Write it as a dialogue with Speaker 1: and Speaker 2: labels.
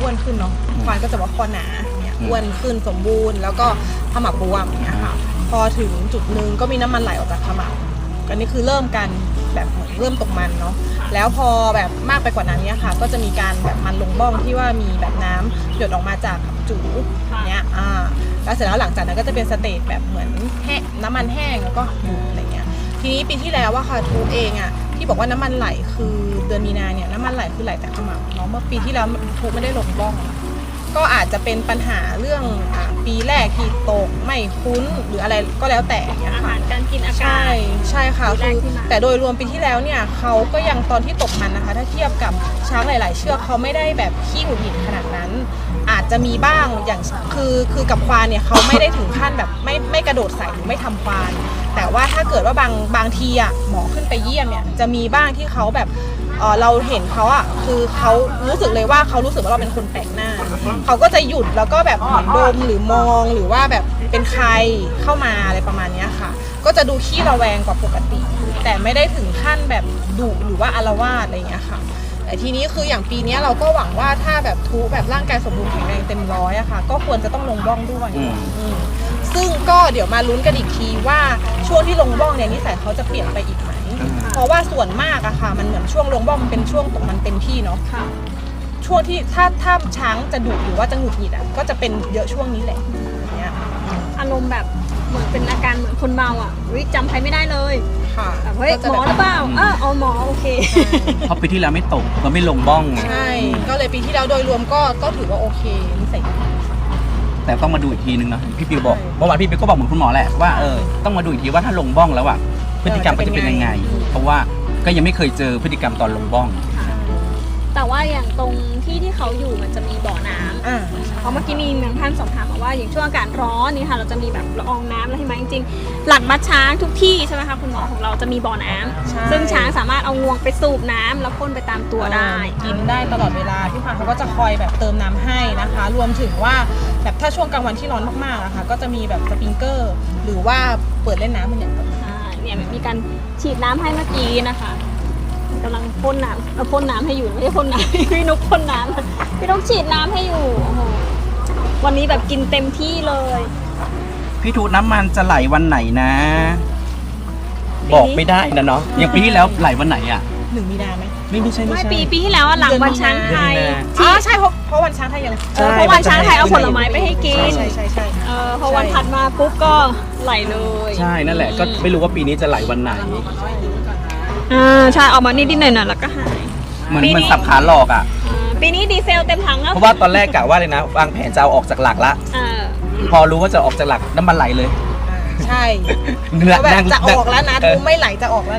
Speaker 1: วนขึ้นเนาะควานก็จะว่าคอหนาเนี่ยอ้วนขึ้นสมบูรณ์แล้วก็ขมับบวมเนี่ยค่ะพอถึงจุดนึงก็มีน้ำมันไหลออกจากขมับอันนี้คือเริ่มกันแบบเหมือนเริ่มตกมันเนาะแล้วพอแบบมากไปกว่านั้นเนี่ยค่ะก็จะมีการแบบมันลงบ้องที่ว่ามีแบบน้ำหยดออกมาจากจูเนี่ยแล้วเสร็จแล้วหลังจากนั้นก็จะเป็นสเตจแบบเหมือนน้ำมันแห้งแล้วก็หยุดอะไรเงี้ยทีนี้ปีที่แล้วว่าค่ะทูเองที่บอกว่าน้ำมันไหลคือเดือนมีนาเนี่ยน้ำมันไหลคือไหลแต่ขมับเนาะเมื่อปีที่แล้วทูไม่ได้ลงบ้องก็อาจจะเป็นปัญหาเรื่องปีแรกที่ตกไม่คุ้นหรืออะไรก็แล้วแต่เนี่ยค่ะ
Speaker 2: อาหารการกินอากาศ
Speaker 1: ใช่ค่ะคือแต่โดยรวมปีที่แล้วเนี่ยเขาก็ยังตอนที่ตกมันนะคะถ้าเทียบกับช้างหลายๆเชือกเขาไม่ได้แบบขี้หงุดหงิดขนาดนั้นอาจจะมีบ้างอย่างคือกับควานเนี่ยเขาไม่ได้ถึงขั้นแบบไม่กระโดดใส่หรือไม่ทำควานแต่ว่าถ้าเกิดว่าบางทีหมอขึ้นไปเยี่ยมเนี่ยจะมีบ้างที่เขาแบบเราเห็นเขาคือเขารู้สึกเลยว่าเขารู้สึกว่าเราเป็นคนแปลกหน้าเขาก็จะหยุดแล้วก็แบบเหมือนดมหรือมองหรือว่าแบบเป็นใครเข้ามาอะไรประมาณนี้ค่ะก็จะดูขี้ระแวงกว่าปกติแต่ไม่ได้ถึงขั้นแบบดุหรือว่าอาละวาดอะไรอย่างเงี้ยค่ะแต่ทีนี้คืออย่างปีนี้เราก็หวังว่าถ้าแบบทุแบบร่างกายสมบูรณ์แข็งแรงเต็มร้อยอะค่ะก็ควรจะต้องลงบ้องด้วยซึ่งก็เดี๋ยวมาลุ้นกันอีกทีว่าช่วงที่ลงบ้องเนี่ยนิสัยเขาจะเปลี่ยนไปอีกไหมเพราะว่าส่วนมากอะค่ะมันเหมือนช่วงลงบ้องมันเป็นช่วงตกมันเต็มที่เนาะช่วงที่ถ้าช้างจะดุหรือว่าจะหงุดหงิดก็จะเป็นเยอะช่วงนี้แหละอย่างเงี้ย
Speaker 2: อารมณ์แบบเหมือนเป็นอาการเหมือนคนเมาจำใครไม่ได้เลย
Speaker 1: ค่ะ
Speaker 2: เฮ้ยหมอหรือเปล่าเอาหมอโอเค
Speaker 3: เพราะปีที่แล้วไม่ตกก็ไม่ลงบ้องไง
Speaker 1: ใช่ก็เลยปีที่แล้วโดยรวมก็ถือว่าโอเคนิสัยดี
Speaker 3: แต่ต้องมาดูอีกทีนึงนะพี่ปิวบอกเมื่อวานพี่ปิวก็บอกเหมือนคุณหมอแหละว่าต้องมาดูอีกทีว่าถ้าลงบ้องแล้วพฤติกรรมจะเป็นยังไงเพราะว่าก็ยังไม่เคยเจอพฤติกรรมตอนลงบ้อง
Speaker 2: แต่ว่าอย่างตรงที่เขาอยู่มันจะมีบ่อน้ำเพราะเมื่อกี้มีท่านสอบถามมาว่าอย่างช่วงอากาศร้อนนี่ค่ะเราจะมีแบบละอองน้ำแล้วใช่ไหมจริงๆหลักมัดช้างทุกที่ใช่ไหมคะคุณหมอของเราจะมีบ่อน้ำซึ่งช้างสามารถเอางวงไปสูบน้ำแล้วพ่นไปตามตัวได้
Speaker 1: กินได้ตลอดเวลาพี่พันเขาก็จะคอยแบบเติมน้ำให้นะคะรวมถึงว่าแบบถ้าช่วงกลางวันที่ร้อนมากๆนะคะก็จะมีแบบสปริงเกอร์หรือว่าเปิดเล่นน้ำมันอย่าง
Speaker 2: เนี่ยมีการฉีดน้ำให้เมื่อกี้นะคะกำลังพ่นน้ำให้อยู่ไม่ใช่พ่นน้ำพี่นุ๊กพ่นน้ำพี่นุ๊กฉีดน้ำให้อยู่โอ้โหวันนี้แบบกินเต็มที่เลย
Speaker 3: พี่ทูน้ำมันจะไหลวันไหนนะบอกไม่ได้นะเนาะอย่างปีที่แล้วไหลวันไหน
Speaker 1: 1 มีนาไหม
Speaker 3: ไม่ใช่
Speaker 2: ปีที่แล้วหลังวันช้างไทย
Speaker 1: ใช่เพราะวันช้างไทยยัง
Speaker 2: เพราะวันช้างไทยเอาผลไม้ไปให้กิน
Speaker 1: ใช่
Speaker 2: พอวันถัดมาปุ๊บก็ไหลเลย
Speaker 3: ใช่นั่นแหละก็ไม่รู้ว่าปีนี้จะไหลวันไหน
Speaker 2: ใช่ออกมานิดๆหน่อยๆแล้วก็หาย
Speaker 3: เหมือนสับขาหลอก
Speaker 2: ปีนี้ดีเซลเต็มถังแล้ว
Speaker 3: เพราะว่าตอนแรกกะว่าเลยนะวางแผนจะเอาออกจากหลักละพอรู้ว่าจะออกจากหลักน้ำมันไหลเลย
Speaker 1: ใช่แบบจะออกแล้วนะดูไม่ไหลจะออกแล้ว